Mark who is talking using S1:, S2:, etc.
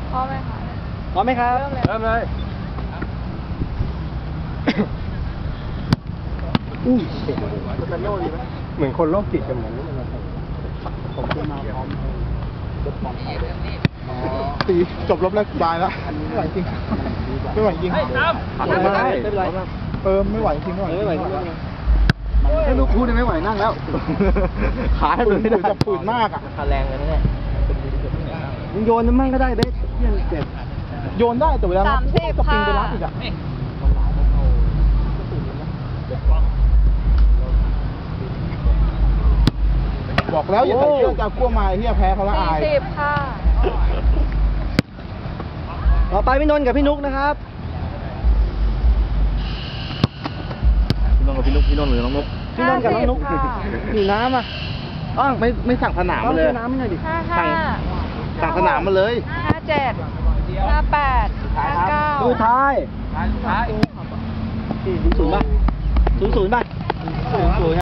S1: พร้อมไหมคะ
S2: พร้อมไหมครับ
S1: เริ่มเลย
S3: เริ่มเลย เหมือนคนโรคจิตกันเหมือนผมจะมาพร้อมรถมอเตอร์ไซค์
S4: ตีจบรอบแรกบายแล้วไม่ไหวจริงไม่ไหวจริง
S3: ไม่เป็นไรไม่เป็นไร
S4: ไม่ไหวจริงไม่ไหวจริง
S2: ถ้าลูกพูดไม่ไหวนั่งแล้ว ขาให้
S4: ฝื
S2: มัน
S4: น
S2: ไม่ได้
S4: จะฝืนมากอ่ะ
S3: ขาแรงเลยนะเนี่ย
S2: มึงโยนน้ำมันก็ได้เบสเยี่ยนเจ็บ
S4: โยนได้แต่เวลา
S1: 30
S4: จะปิงไป
S1: ค่ะ
S4: รับอีกอ่ะบอกแล้วอย่าใส่เสื้อจากัวมาเฮียแพ้เขาละอาย
S1: 40 ค่ะ
S2: ต่อไปพี่นนท์กับพี่นุกนะครับพี่นนท์กับพี่นุกพี่นนท์หรือน้องนุกพี่นนท์กับน้องนุก
S1: 50ค่ะ
S2: อยู่น้ำอ่ะอ้าวไม่สั่งสนามมาเลยน้ำไม่หน่อยดิ
S1: 55
S2: สั่งสนามมาเลย
S1: 57 58 59
S2: ดูท้าย0-0ป่ะ0-0ป่ะ0-0